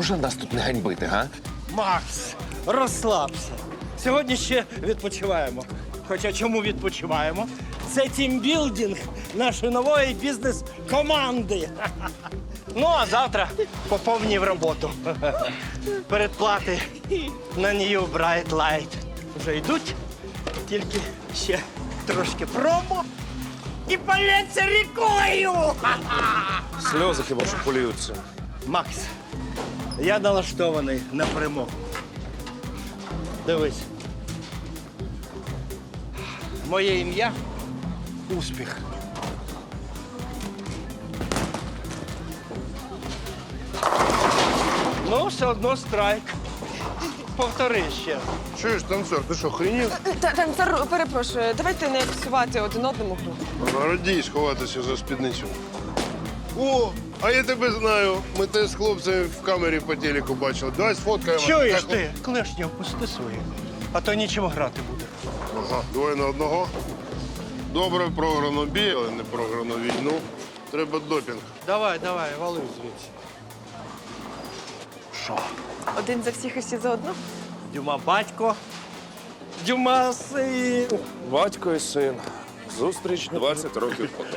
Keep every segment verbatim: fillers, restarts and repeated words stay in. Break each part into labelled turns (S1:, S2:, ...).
S1: можна нас тут не ганьбити, га?
S2: Макс, розслабся. Сьогодні ще відпочиваємо. Хоча чому відпочиваємо? Це тімбілдинг нашої нової бізнес-команди. Ну, а завтра по повній в роботу. Передплати на New Bright Light вже йдуть, тільки ще трошки промо і полється рікою.
S1: Сльози хіба що поліються.
S2: Макс, я налаштований на перемогу. Дивись. Моє ім'я – успіх. Ну, все одно страйк. Повтори ще.
S3: Чуєш, танцор, ти що, хренів?
S4: Та- Танцор, перепрошую, давайте не псувати один одному гру.
S3: Радій сховатися за спідницю. О, а я тебе знаю. Ми те з хлопцями в камері по телеку бачили. Давай сфоткаємо.
S2: Чуєш
S3: Так,
S2: ти? Клешні опусти свої, а то нічим грати буде.
S3: Ага, двоє на одного. Добре програно бій, але не програно війну. Треба допінг.
S2: Давай, давай, вали звідси. Що?
S4: Один за всіх і всі за одну?
S2: Дюма батько, Дюма син.
S1: Батько і син. Зустріч двадцять років потім.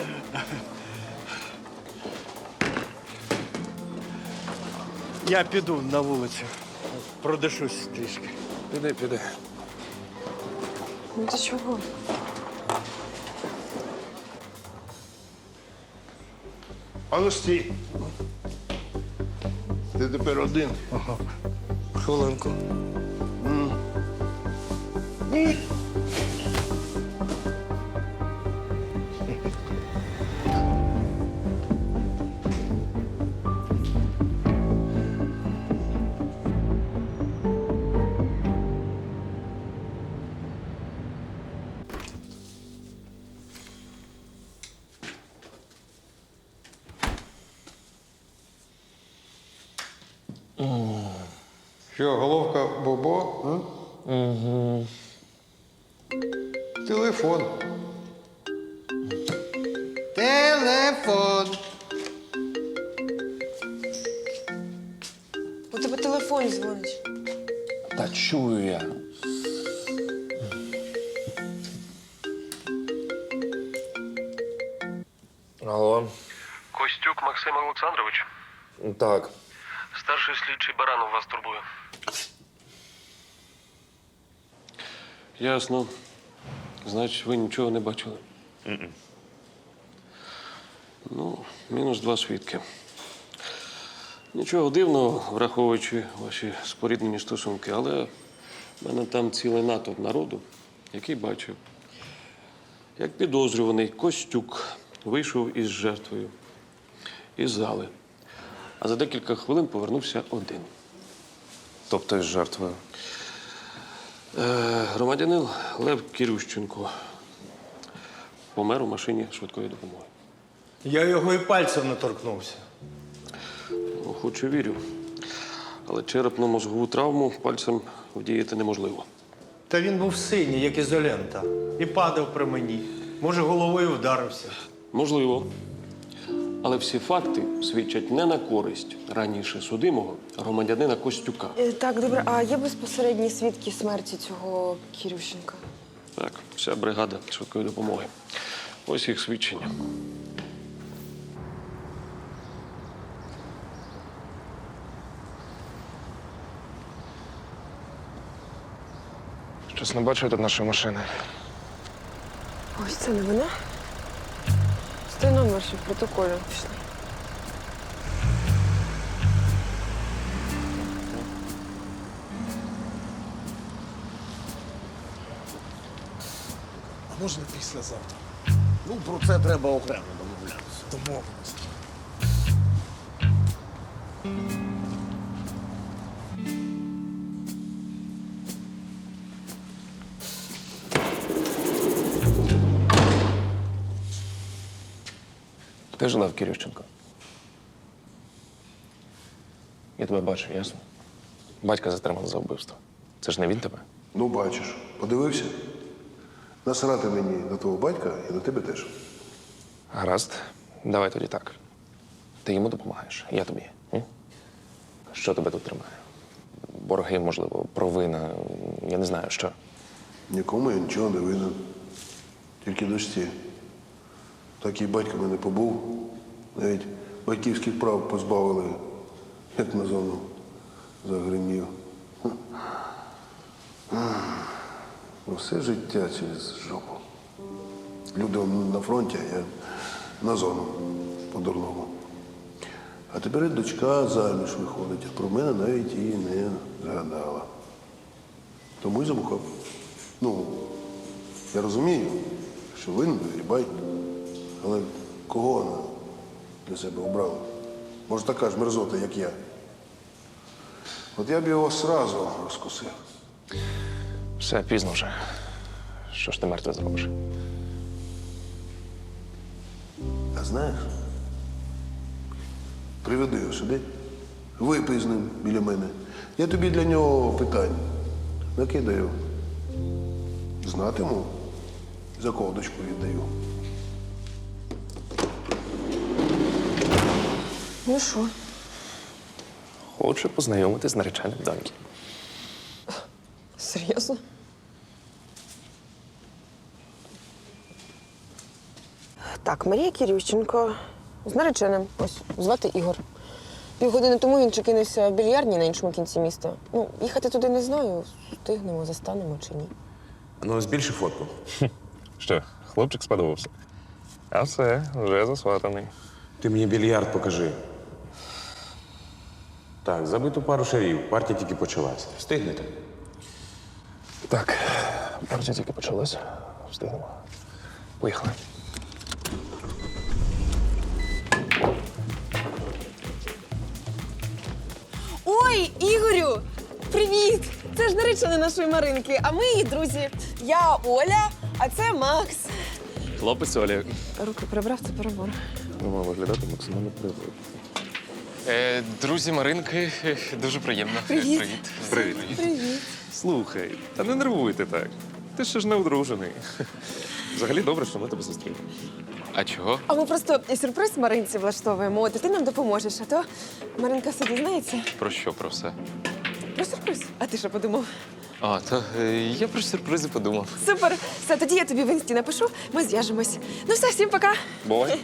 S2: Я піду на вулицю, продишусь трішки.
S1: Піди, піди.
S4: Ну ти чого?
S3: А ну стій. Ти тепер один.
S2: Хвилинку.
S5: Що, головка Бобо? А? Угу. Телефон. Телефон.
S4: У тебе телефон дзвонить.
S1: Та чую я. Алло.
S6: Костюк Максим Олександрович.
S1: Так.
S6: Старший слідчий Баранов вас турбує.
S7: Ясно. Значить, ви нічого не бачили?
S6: Mm-mm.
S7: Ну, мінус два свідки. Нічого дивного, враховуючи ваші споріднені стосунки, але в мене там цілий натовп народу, який бачив, як підозрюваний Костюк вийшов із жертвою із зали, а за декілька хвилин повернувся один.
S1: Тобто із жертвою.
S7: Е, громадянин Лев Кірющенко помер у машині швидкої допомоги.
S2: Я його і пальцем не торкнувся.
S7: Ну, хоч і вірю. Але черепно-мозгову травму пальцем вдіяти неможливо.
S2: Та він був синій, як ізолента, і падав при мені. Може, головою вдарився.
S7: Можливо. Але всі факти свідчать не на користь раніше судимого громадянина Костюка.
S4: Е, Так, добре, а є безпосередні свідки смерті цього Кірющенка?
S7: Так, вся бригада швидкої допомоги. Ось їх свідчення.
S1: Щось не бачу тут нашої машини.
S4: Ось це не вона. Стой номер ще в протоколі. Пішли.
S8: А можна післязавтра? Ну, про це треба окремо домовлятися. Домовимося.
S1: Ти ж Лев Кірющенко. Я тебе бачу, ясно? Батька затримали за вбивство. Це ж не він тебе?
S3: Ну, бачиш. Подивився? Насрати мені на твого батька і на тебе теж.
S1: Гаразд. Давай тоді так. Ти йому допомагаєш, я тобі. М? Що тебе тут тримає? Борги, можливо, провина, я не знаю, що.
S3: Нікому я нічого не винен. Тільки дочці. Так і батько мене побув. Навіть батьківських прав позбавили, як на зону загримів. Все життя через жопу. Люди на фронті, а я на зону по-дурному. А тепер і дочка заміж виходить, а про мене навіть і не згадала. Тому й замухав. Ну, я розумію, що винен Грібай, але кого вона для себе обрала? Може, така ж мерзота, як я. От я б його сразу розкусив.
S1: Все, пізно вже. Що ж ти мертве зробиш?
S3: А знаєш, приведи його сюди, випий з ним біля мене. Я тобі для нього питань накидаю. Знатиму, за кого дочку віддаю.
S4: Ну що?
S1: Хочу познайомитись з нареченим доньки.
S4: Серйозно? Так, Марія Кирющенко з нареченим. Ось, звати Ігор. Півгодини тому він чекинувся в більярдні на іншому кінці міста. Ну, їхати туди не знаю, встигнемо, застанемо чи ні.
S9: Ну, збільши фотку.
S1: Що, хлопчик сподобався? А все, вже засватаний.
S9: Ти мені більярд покажи. Так, забиту пару шарів. Партія тільки почалась. Встигнете?
S1: Так, партія тільки почалась. Встигнемо. Поїхали.
S4: Ой, Ігорю! Привіт! Це ж наречена нашої Маринки, а ми її друзі. Я Оля, а це Макс.
S1: Хлопець Оля.
S4: Руки прибрав, це перебор.
S1: Ну, має виглядати максимально природно.
S10: Е, друзі Маринки, е, дуже приємно.
S4: Привіт.
S10: Привіт.
S1: Привіт.
S4: Привіт.
S1: Слухай, та не нервуйте так. Ти ще ж не одружений. Взагалі добре, що ми тебе зустріли.
S10: А чого?
S4: А ми просто сюрприз Маринці влаштовуємо, от і ти нам допоможеш, а то Маринка все дізнається.
S10: Про що про все?
S4: Про сюрприз. А ти що подумав?
S10: А, то е, я про сюрпризи подумав.
S4: Супер! Все, тоді я тобі в інсті напишу, ми зв'яжемось. Ну все, всім пока.
S1: Бувай.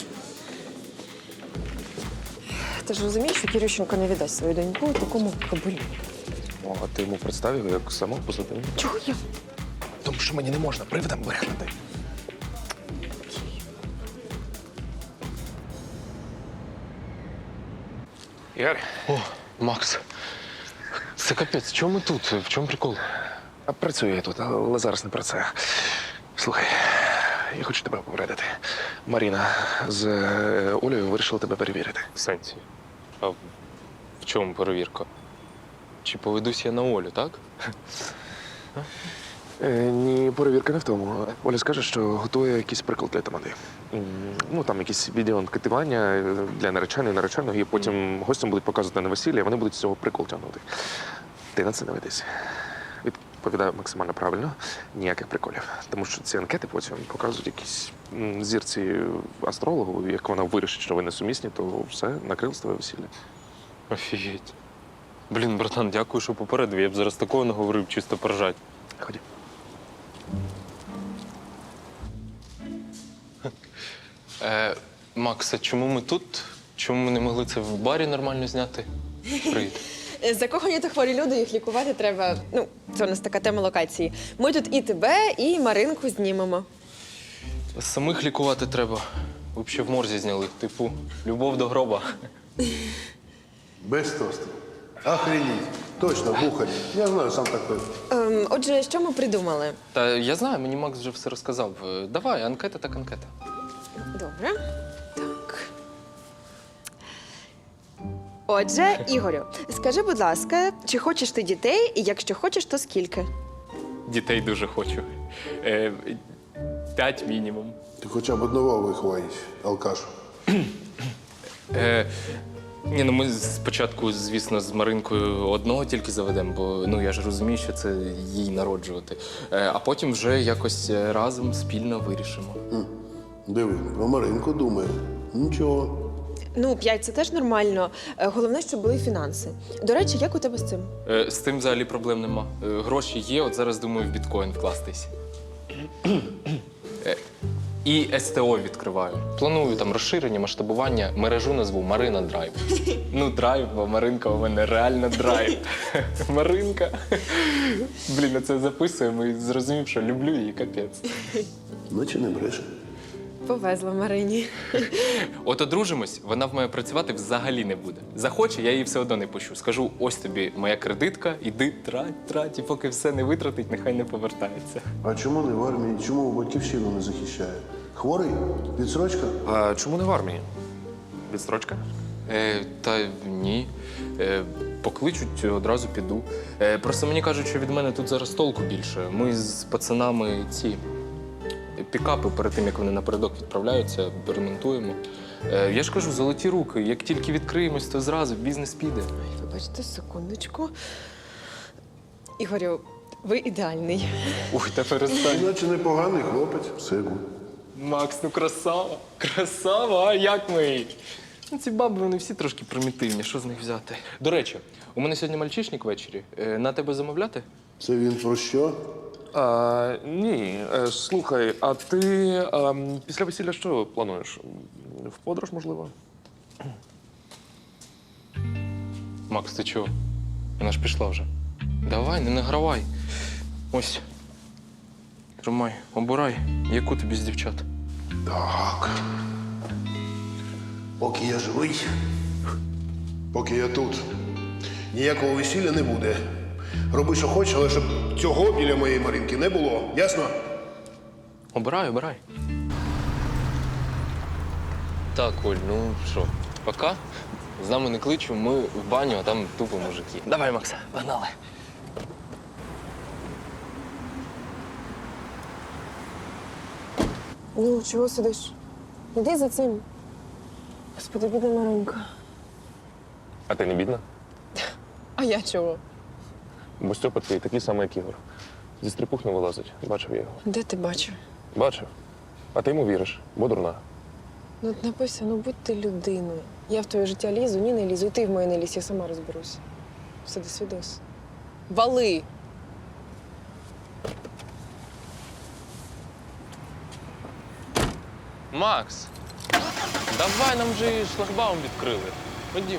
S4: Ти ж розумієш, що Кирющенко не віддасть свою доньку такому кабелю.
S1: О, а ти йому представив як самого позитивного?
S4: Чого я?
S1: Тому що мені не можна привидом брехнути. Ігор,
S10: О, Макс. Це капець, чому ми тут? В чому прикол?
S1: а працюю я тут, але зараз не про це. Слухай, я хочу тебе попередити. Маріна з е, Олею вирішила тебе перевірити.
S10: В сенсі. А в в чому перевірка? Чи поведусь я на Олю, так?
S1: Е, ні, перевірка не в тому. Оля скаже, що готує якийсь приклад для тамади. М, Ну, там якісь відеоанкетування для нареченої, нареченого, і потім гостям будуть показувати на весілля, і вони будуть з цього прикол тягнути. Ти на це не ведись. Відповідаю максимально правильно, ніяких приколів. Тому що ці анкети потім показують якісь м, зірці астрологу, як вона вирішить, що ви несумісні, то все, накрилось твоє весілля.
S10: Офігеть. Блін, братан, дякую, що попередив. Я б зараз такого не говорив, чисто поржать.
S1: Ході.
S10: Е, Макс, а чому ми тут? Чому ми не могли це в барі нормально зняти? Привіт.
S4: Закохані та хворі люди, їх лікувати треба. Ну, це у нас така тема локації. Ми тут і тебе, і Маринку знімемо.
S10: Самих лікувати треба. Ви б ще в морзі зняли. Типу, любов до гроба.
S3: Без тосту. Охренеть. Точно, бухарь. Я знаю, сам такой.
S4: Ем, отже, що ми придумали?
S10: Та я знаю, мені Макс вже все розказав. Е, Давай, анкета так анкета.
S4: Добре. Так. Отже, Ігорю, скажи, будь ласка, чи хочеш ти дітей, і якщо хочеш, то скільки?
S10: Дітей дуже хочу. Е, П'ять мінімум.
S3: Ти хоча б одного виховаєш, алкаш.
S10: Е, ні, ну ми спочатку, звісно, з Маринкою одного тільки заведемо, бо ну я ж розумію, що це їй народжувати. Е, а потім вже якось разом спільно вирішимо.
S3: Диви, про Маринку думає. Нічого.
S4: Ну, п'ять це теж нормально. Е, Головне, щоб були фінанси. До речі, як у тебе з цим?
S10: Е, з тим взагалі проблем нема. Е, гроші є, от зараз думаю в біткоін вкластись. Е, і ес те о відкриваю. Планую там розширення, масштабування, мережу назву Марина Драйв. Ну, драйв, бо Маринка у мене реально драйв. Маринка. Блін, я це записуємо і зрозумів, що люблю її капець.
S3: Наче не бреше.
S4: Повезла Марині.
S10: От одружимось, вона в мене працювати взагалі не буде. Захоче, я її все одно не пущу. Скажу, ось тобі моя кредитка, іди трать, трать, і поки все не витратить, нехай не повертається.
S3: А чому не в армії? Чому батьківщину не захищає? Хворий? Відсрочка?
S1: А чому не в армії? Відстрочка?
S10: Е, та ні. Е, покличуть, одразу піду. Е, просто мені кажуть, що від мене тут зараз толку більше. Ми з пацанами ці пікапи перед тим, як вони напередок відправляються, ремонтуємо. Е, я ж кажу, золоті руки. Як тільки відкриємось, то зразу бізнес піде.
S4: Вибачте, секундочку. Ігорю, ви ідеальний.
S10: Ой, та перестань.
S3: Наче непоганий хлопець. Все гуд.
S10: Макс, ну красава. Красава, а як ми? Ну, ці баби, вони всі трошки примітивні, що з них взяти? До речі, у мене сьогодні мальчишник ввечері. Е, на тебе замовляти?
S3: Це він про що?
S1: А, ні, е, слухай, а ти а, після весілля що плануєш? В подорож, можливо?
S10: Макс, ти чого? Вона ж пішла вже. Давай, не награвай. Ось. Тримай, обирай, яку тобі з дівчат.
S3: Так. Поки я живий, поки я тут, ніякого весілля не буде. Роби, що хочеш, але щоб цього біля моєї Маринки не було. Ясно?
S10: Обирай, обирай. Так, Оль, ну що, пока. З нами не кличу, ми в баню, а там тупо мужики. Давай, Макса, погнали.
S4: Ну, чого сидиш? Іди за цим. Господи, бідна Маринка.
S1: А ти не бідна?
S4: А я чого?
S1: Бо Стьопа твій такий самий, як Ігор. Зі стріпух не вилазить. Бачив я його.
S4: Де ти бачив?
S1: Бачив. А ти йому віриш, бо дурна.
S4: Ну, от написано, ну будь ти людиною. Я в твоє життя лізу, ні не лізу, і ти в моє не лізь, я сама розберусь. Все, до свідос. Вали!
S10: Макс, давай, нам вже шлагбаум відкрили. Ходім.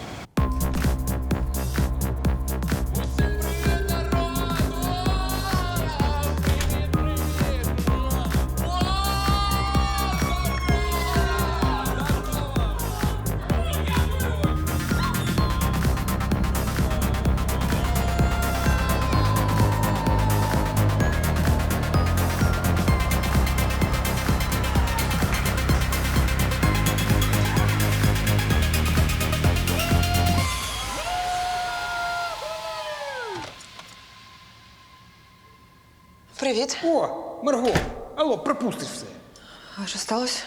S4: Привіт.
S5: О, Марго, алло, пропустиш все.
S4: А що сталося?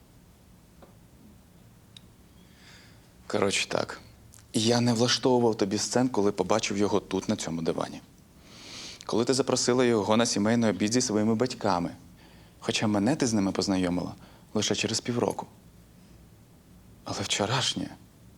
S11: Коротше так. Я не влаштовував тобі сцен, коли побачив його тут, на цьому дивані. Коли ти запросила його на сімейний обід зі своїми батьками. Хоча мене ти з ними познайомила лише через півроку. Але вчорашнє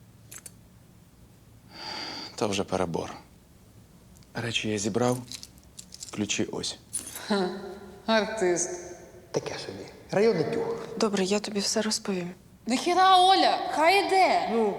S11: – то вже перебор. Речі я зібрав, ключі ось.
S5: Артист. Таке собі. Районний тюг.
S4: Добре, я тобі все розповім.
S12: Нахіра, Оля, хай іде. Ну.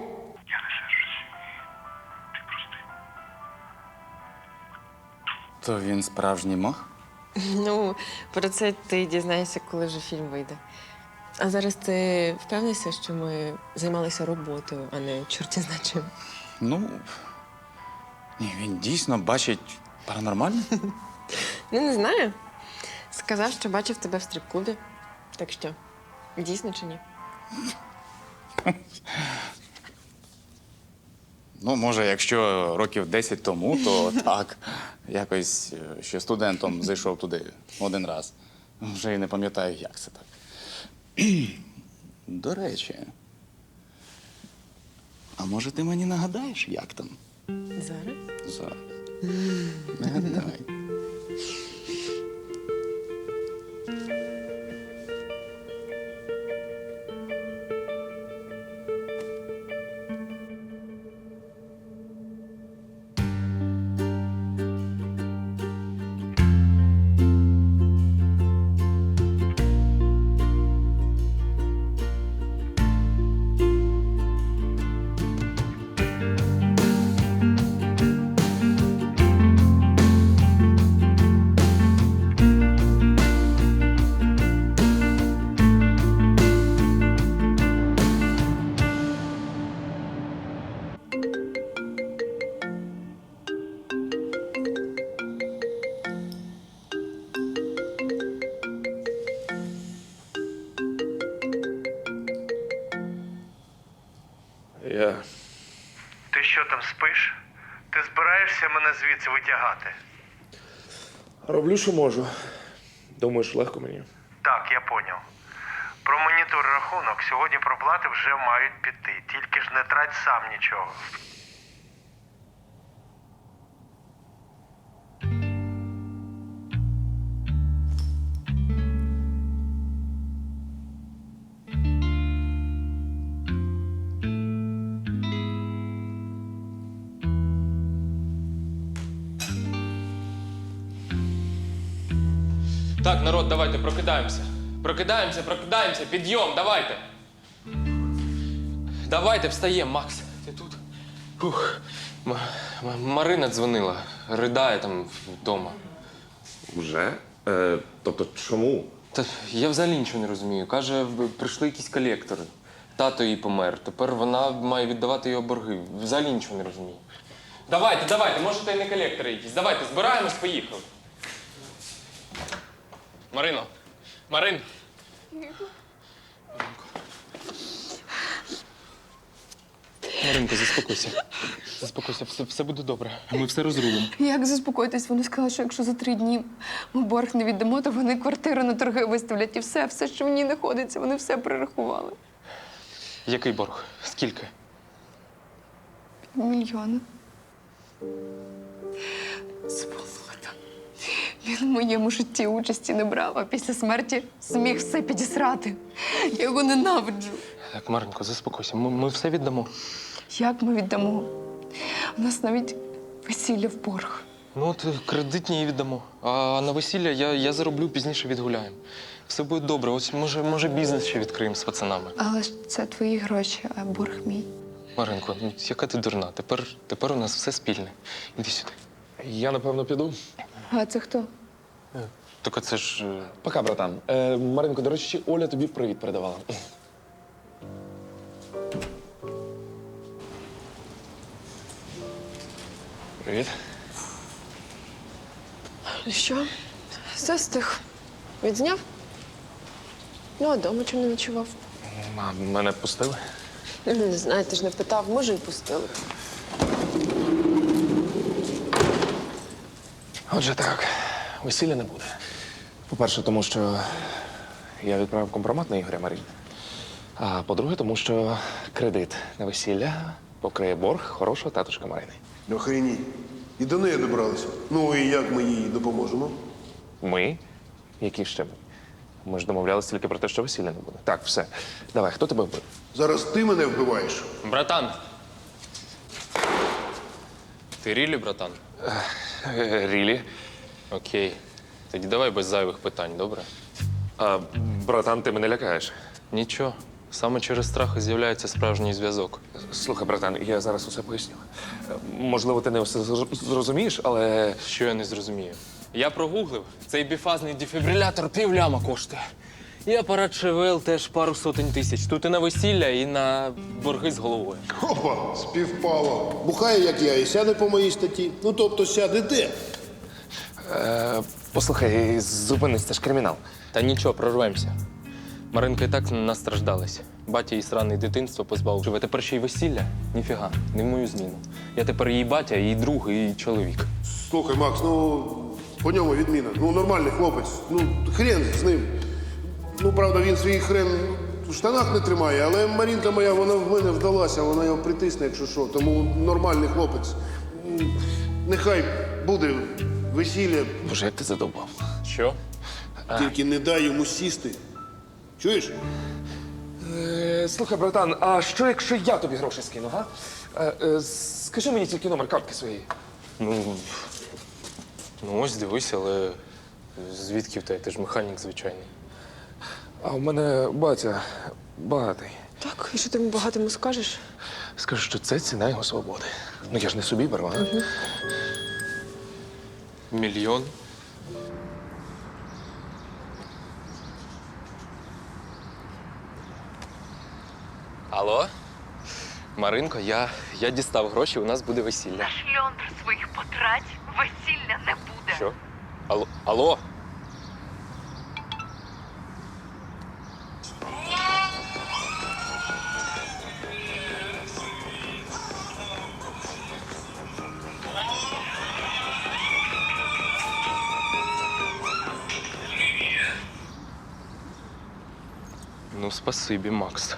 S11: То він справжній мах?
S4: Ну, про це ти дізнаєшся, коли вже фільм вийде. А зараз ти впевнишся, що ми займалися роботою, а не чорті зна чим?
S11: Ну, ні, він дійсно бачить паранормальне.
S4: Ну, не знаю. Сказав, що бачив тебе в стрип-клубі. Так що, дійсно чи ні?
S11: Ну, може, якщо років десять тому, то так. Якось е, ще студентом зайшов туди один раз. Вже й не пам'ятаю, як це так. До речі, а може ти мені нагадаєш, як там?
S4: Зараз?
S11: Зараз. Нагадай.
S1: Я.
S2: Ти що там спиш? Ти збираєшся мене звідси витягати?
S1: Роблю, що можу. Думаєш, легко мені?
S2: Так, я поняв. Про монітор рахунок сьогодні проплати вже мають піти. Тільки ж не трать сам нічого.
S10: Так, народ, давайте, прокидаємося. Прокидаємося, прокидаємося, підйом, давайте. Давайте, встаємо, Макс. Ти тут? Фух. М- М- Марина дзвонила, ридає там вдома.
S1: Вже? Е, тобто чому?
S10: Та я взагалі нічого не розумію. Каже, в- прийшли якісь колектори. Тато її помер. Тепер вона має віддавати його борги. Взагалі нічого не розумію. Давайте, давайте, може, то й не колектори якісь. Давайте, збираємось, поїхали. Марино, Марин. Маринко, заспокойся. Заспокойся, все, все буде добре. Ми все розрулимо.
S12: Як заспокоїтись? Вони сказали, що якщо за три дні ми борг не віддамо, то вони квартиру на торги виставлять і все, все, що в ній знаходиться, вони все перерахували.
S10: Який борг? Скільки?
S12: Мільйони. Сволота. Він в моєму житті участі не брав, а після смерті зміг все підісрати. Я його ненавиджу.
S10: Так, Маринко, заспокойся. Ми, ми все віддамо.
S12: Як ми віддамо? У нас навіть весілля в борг.
S10: Ну, от кредитні і віддамо. А на весілля я, я зароблю, пізніше відгуляємо. Все буде добре. Ось, може, може бізнес ще відкриємо з пацанами.
S12: Але ж це твої гроші, а борг мій.
S10: Маринко, ну яка ти дурна? Тепер, тепер у нас все спільне. Іди сюди.
S1: Я, напевно, піду.
S12: А це хто?
S10: Тільки це ж. е,
S1: Пока, братан. Е, Маринко, до речі, Оля тобі привіт передавала. Привіт.
S4: Ну що, все встиг. Відзняв? Ну, а дома чому не ночував?
S1: А мене пустили?
S4: Ну, не знаю, ти ж не питав, може, і пустили.
S1: Отже так, весілля не буде. По-перше, тому що я відправив компромат на Ігоря Марін. А по-друге, тому що кредит на весілля покриє борг хорошого татушка Марини.
S3: Охреніть. І до неї добралися. Ну і як ми їй допоможемо?
S1: Ми? Які ще ми? Ми ж домовлялися тільки про те, що весілля не буде. Так, все. Давай, хто тебе вбив?
S3: Зараз ти мене вбиваєш.
S10: Братан! Ти рілі, братан?
S1: Е, Рілі.
S10: Окей. Тоді давай без зайвих питань, добре?
S1: А, братан, ти мене лякаєш.
S10: Нічого. Саме через страх і з'являється справжній зв'язок.
S1: Слухай, братан, я зараз усе поясню. Е, Можливо, ти не все зр- зрозумієш, але
S10: Що я не зрозумію? Я прогуглив, цей біфазний дефібрилятор півляма коштує. І апарат ШВЛ теж пару сотень тисяч. Тут і на весілля, і на борги з головою.
S3: Опа, співпало. Бухає, як я, і сяде по моїй статті. Ну, тобто сяде де?
S1: е, послухай, зупинись, це ж кримінал.
S10: Та нічого, прорвемося. Маринка і так настраждалась. Батя її сране дитинство позбавив. Живе тепер ще й весілля? Ніфіга, не в мою зміну. Я тепер її батя, її друг, і чоловік.
S3: Слухай, Макс, ну по ньому відміна. Ну, нормальний хлопець. Ну, хрен з ним. Ну, правда, він свій хрен в штанах не тримає, але Марінка моя, вона в мене вдалася, вона його притисне, якщо що. Тому нормальний хлопець. М, Нехай буде весілля,
S1: Боже, як ти задовбав.
S10: Що?
S3: тільки не дай йому сісти. Чуєш?
S1: Е, слухай, братан, а що, якщо я тобі гроші скину, га? Е, е, скажи мені тільки номер картки своєї.
S10: Ну, ну ось дивись, але звідки в тебе? Ти ж механік звичайний.
S1: А у мене батя багатий.
S4: Так, і що ти йому багатому скажеш?
S1: Скажу, що це ціна його свободи. Ну я ж не собі беру, а?
S10: Мільйон? Алло? Маринко, я, я дістав гроші, у нас буде весілля.
S12: Шльондр своїх потрать весілля не буде.
S10: Що? Алло? Алло? Ну, спасибі, Макс.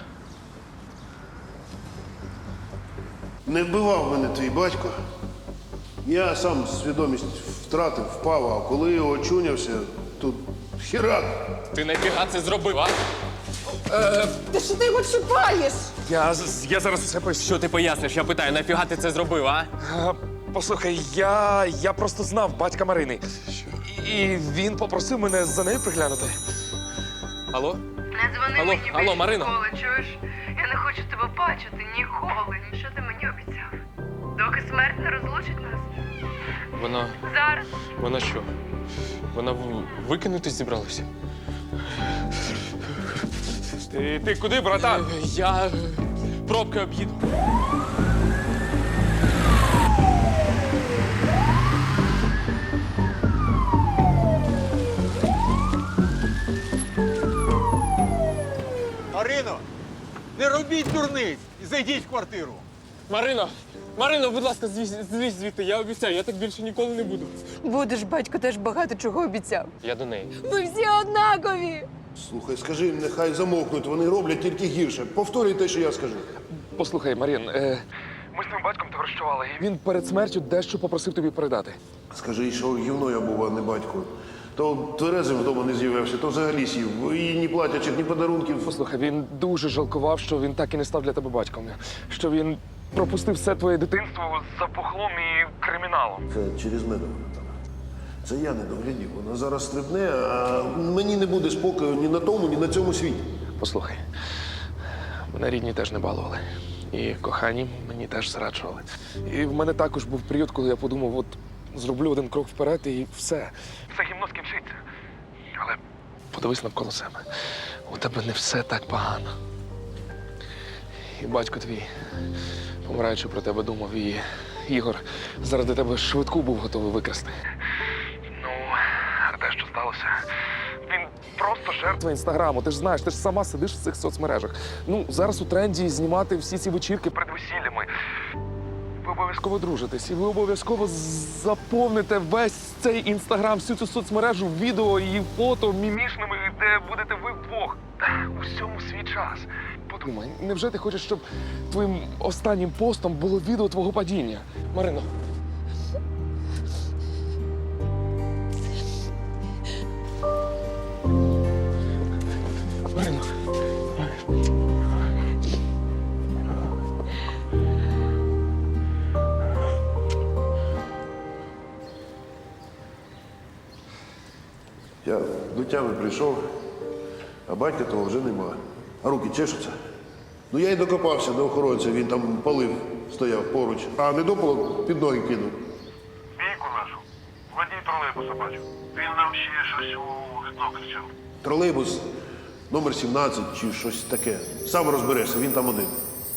S3: Не вбивав мене твій батько. Я сам свідомість втратив, впав, а коли очунявся, тут хірак.
S10: Ти нафіга це зробив, а?
S4: Та що ти його чіпаєш?
S1: Я, я зараз все поясню.
S10: Що ти поясниш? Я питаю, нафіга ти це зробив, а?
S1: А, Послухай, я, я просто знав батька Марини. І він попросив мене за нею приглянути.
S10: Алло?
S12: Не дзвони
S10: Алло,
S12: мені
S10: алло,
S12: більше
S10: Марино.
S12: ніколи, чуєш? Я не хочу тебе бачити ніколи. Що ти мені обіцяв? Доки смерть не розлучить нас.
S10: Вона.
S12: Зараз.
S10: Вона що? Вона в- викинутись зібралася?
S1: Ти, ти куди, братан?
S10: Я е, пробки об'їду.
S8: Марино, не робіть дурниць і зайдіть в квартиру.
S10: Марино! Марино, будь ласка, звіз- злізь звідти, я обіцяю, я так більше ніколи не буду.
S12: Будеш, батько теж багато чого обіцяв.
S10: Я до неї.
S12: Ми всі однакові.
S3: Слухай, скажи їм, нехай замовкнуть, вони роблять тільки гірше. Повторюй те, що я скажу.
S1: Послухай, Марін, е, ми з твоїм батьком товаришували, і він перед смертю дещо попросив тобі передати.
S3: Скажи, що гівно я був, а не батько. То тверезим вдома не з'явився, то взагалі сів. І ні платячих, ні подарунків.
S1: Послухай, він дуже жалкував, що він так і не став для тебе батьком. Що він пропустив все твоє дитинство за пухлом і криміналом.
S3: Це через мене вона там. Це я не доглядів. Вона зараз стрибне, а мені не буде спокою ні на тому, ні на цьому світі.
S1: Послухай, мене рідні теж не балували. І кохані мені теж зраджували. І в мене також був період, коли я подумав, от зроблю один крок вперед і все. Все гімно скінчиться. Але подивись навколо себе. У тебе не все так погано. І батько твій, помираючи про тебе, думав, і Ігор заради тебе швидку був готовий викрасти. Ну, а те, що сталося, він просто жертва інстаграму. Ти ж знаєш, ти ж сама сидиш в цих соцмережах. Ну, зараз у тренді знімати всі ці вечірки перед весіллями. Ви обов'язково дружитесь, і ви обов'язково заповните весь цей інстаграм, всю цю соцмережу відео і фото мімішними, де будете ви вдвох. Усьому свій час. Подумай, невже ти хочеш, щоб твоїм останнім постом було відео твого падіння?
S10: Марино.
S1: Марино.
S3: Я до тями прийшов, а батька того вже нема. А руки чешуться. Ну я й докопався до охоронця, він там палив, стояв поруч, а недопалок під ноги кинув.
S2: Бійку нашу. Водій тролейбуса бачу. Він нам ще щось у вікно кричав.
S3: Тролейбус номер сімнадцять чи щось таке. Сам розберешся, він там один.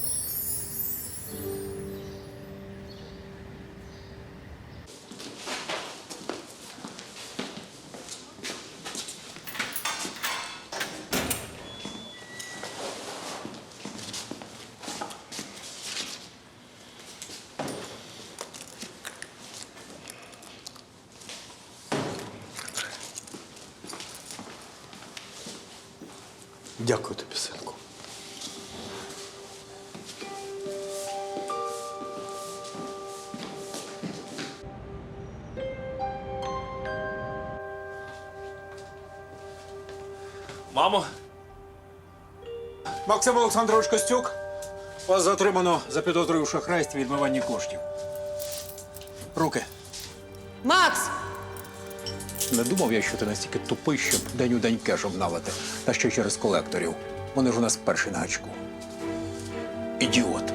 S8: Дякую тобі, синку.
S1: Мамо!
S8: Максим Олександрович Костюк, вас затримано за підозрою в шахрайстві і відмиванні коштів. Руки.
S4: Макс!
S8: Не думав я, що ти настільки тупий, щоб день у день кеш обналити. Та ще через колекторів. Вони ж у нас перші на гачку. Ідіот.